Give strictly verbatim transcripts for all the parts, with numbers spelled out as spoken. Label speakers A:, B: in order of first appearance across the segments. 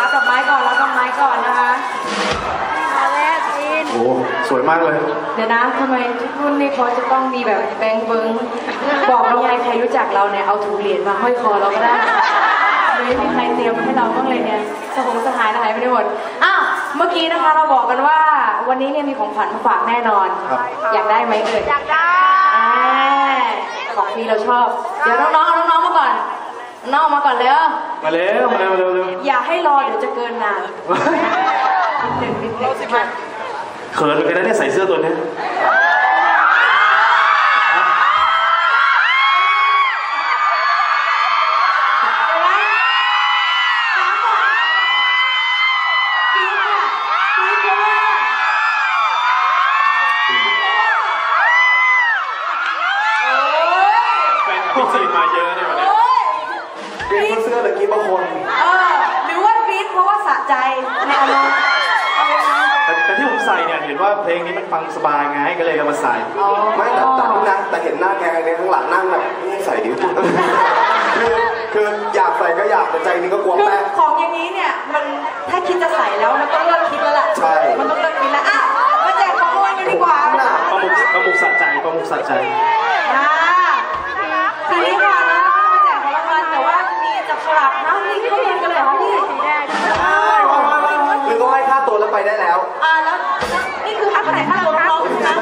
A: ดอกไม้ก่อนรับดอกไม้ก่อนนะคะมาแรกอิน
B: โอ้สวยมากเลย
A: เดี๋ยวนะทำไมทุกรุ่นนี่เขาจะต้องมีแบบแบงค์เบิ้งบอกเราไงใครรู้จักเราเนี่ยเอาถุงเหรียญมาห้อยคอเราก็ได้ไม่มีใครเตรียมมาให้เราบ้างเลยเนี่ยสมองสหายหายไปหมดอ้าวเมื่อกี้นะคะเราบอกกันว่าวันนี้เนี่ยมีของขวัญมาฝากแน่นอนอยากได้ไหมเอ่ยอยากได้ของฟรีเราชอบเดี๋ยวน้องๆน้องๆมาก่อนน้องมาก่อนเร็ว
B: มาเร็วมาเร็วเร็วเร็ว
A: อย่าให้รอเดี๋ยวจะเกินนานหนึ่งนิดหนึ่งมา
B: เขินเลยนะเนี่ยใส่เสื้อตัวนี้พี่จีมาเยอะเนี่ยวันนี้เปลี่ยนเสื้อตะกี้บางคน
A: เออหรือว่ากรี๊ดเพราะว่าสะใจในอารมณ์
B: แต่แต่ที่ผมใส่เนี่ยเห็นว่าเพลงนี้มันฟังสบายไงก็เลยเอามาใส่
C: ไม่แต่แต่ทุกนะแต่เห็นหน้าแกเนี่ยข้างหลังนั่งแบบนี่ใส่ดิคือคืออยากใส่ก็อยากแต่ใจนึงก็กลัวแป้ง
A: ของอย่างนี้เนี่ยมันถ้าคิดจะใส่แล้วมันต้องเลิกคิดแล้วแหละ
C: ใช่
A: มันต้องเลิกคิดแล้วอ่ะมาแจกของรางวัลกันดีกว่า
B: ประมุขประมุขสะใจประมุขสะใจ
A: ทีนี้ค่ะนะมาแจกของรางวัลแต่ว่ามีจับฉลากนะนี่เขาเรียนกันเลยเหรอพี่
C: หรือก็ให้ค่าตัวแล้วไปได้แล้ว
A: อ่าแล้วนี่คือค่าไหนค่าตัวน้องนะ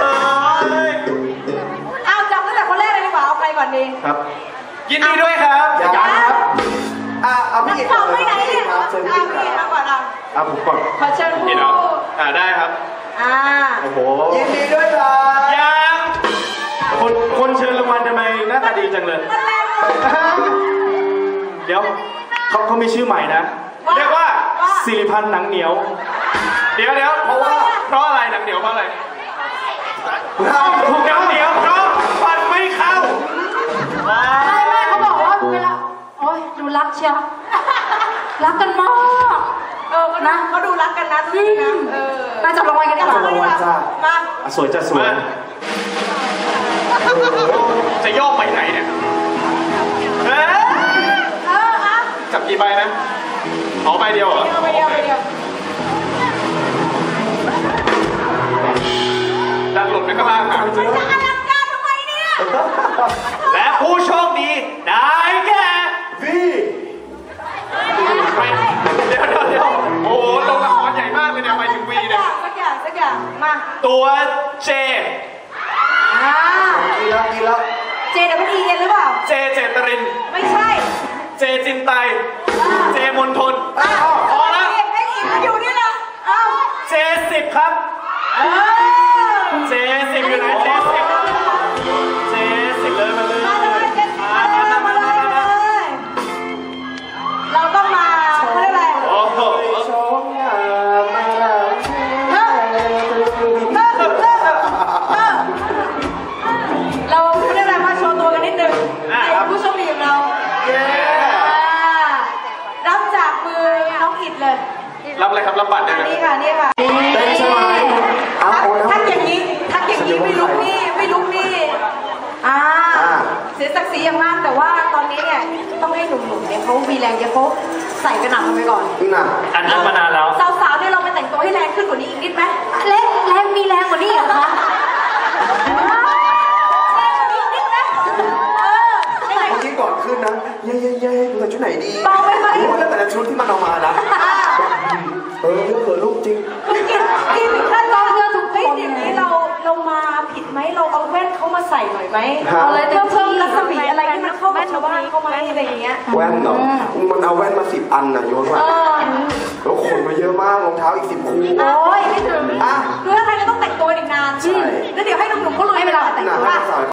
A: เอาจับตั้งแต่คนแรกเลยดีกว่าเอาใครก่อนดี
B: ครับยินดีด้วยครับ
C: ยังครับอ่าเอาพี่เอกก่อน
A: เลยครับเชิญพี่เอกก่อนเอา
B: เอาผมก่อน
A: ขอเชิญผู้
B: อ่าได้ครับ
A: อ่า
C: โอ้โหยินดีด้วยครับ
B: ยังคนคนเชิญรางวัลทำไมหน้าตาดีจังเลยเดี๋ยวเขาเขามีชื่อใหม่นะเรียกว่าสิริพันธ์หนังเหนียวเดี๋ยวเดี๋ยวเพราะว่าเพราะอะไรหนังเหนียวเพราะอะไรถูกหนังเหนียวเพราะฟันไม่เข้า
A: ไม่ไม่เขาบอกว่าเวลาโอ๊ยดูรักเชียวรักกันมากเออนะเขาดูรักกันนะที่เออมาจับรางวัลกันดีกว่ามา
B: สวยจะสวยจะโยกไปไหนเนี่ยเอ
A: อ
B: จับกี่ใบนะเอาใบเดียวเหรอ
A: ใบเดียวใบเดียว
B: ดันหลุดไปข้างล่างหา
A: จะอลังการทำไมเนี่ย
B: และผู้โชคดีได้แก่
C: พี่
B: เดี๋ยวเดี๋ยวเดี๋ยวโอ้โหลงละครใหญ่มากเลยเนี่ยไปถึงวีเนี่ย
A: สักอย่างสักอย่างมา
B: ตัวเจ
A: อ่า
C: ดีแล้วดีแล้ว
A: เจเดี๋ยวไม่ดีเย็นหรือเปล่า
B: เจเจตริน
A: ไม่ใช่
B: เจจินไตเจมนทนพอแล้ว
A: ไอ้อีกมาอยู่นี่แหละ
B: เจสิบครับเจสิบอยู่ไหนเจสิบเจสิบเลยมาเลย
A: มาเลยเจสิบมาเลยมาเลยเราต้องมาเขาเรียกอะไร
B: โอ้โห
A: เราเรียกอะไรมาโชว์ตัวกันนิดนึงให้ผู้โชคดีของเรารับจากมือน้องอิดเลย
B: รับอะไรครับรับบัตรเลย
A: นี่ค่ะนี่ค่ะ
C: เต้นใช่ไหม
A: ทักอย่างนี้ทักอย่างนี้ไม่ลุกนี่ไม่ลุกนี่อ่าเสียศักดิ์ศรีอย่างมากแต่ว่าตอนนี้เนี่ยต้องให้หนุ่มๆเนี่ยเขามีแรงเยอะเขาใส่กระหน่ำกันไปก่อน
C: น่ะ
B: อันนั้นมานานแล้ว
A: สาวๆเนี่ยเราไปแต่งตัวให้แรงขึ้นกว่านี้อีกนิดไหมแรงแรงมีแรงกว่านี้เหรอคะ
C: เมื่อกี้ก่อนขึ้นนะเย้เย้เย้ดูแต่ชุดไหนดี
A: เบาไปไหม
C: รู้แล้วแต่ละชุดที่มันเอามานะเออเกิดลูกจริง
A: กินกินถ้าเราเลือกถูกผิดอย่างนี้เราเรามาผิดไหมเราเอาแว่นเขามาใส่หน่อยไหมเอาอะไรเพิ่มเพิ่มรัศมีอะไรที่มันเข้ากับชาวบ้านเข้ามาอะไรอย่างเงี้ย
C: แว่นเหรอมันเอาแว่นมาสิบอันนะโยนมาแล้วขนมาเยอะมากรองเท้าอีกสิบคู่
A: โอ้ยไม่ถึงอ่ะคือถ้าใครก็ต้องแต่งตัวอีกนานใช่แล้วเดี๋ยวให้หนุ่มๆเขาลุยเวลาแต่งตัว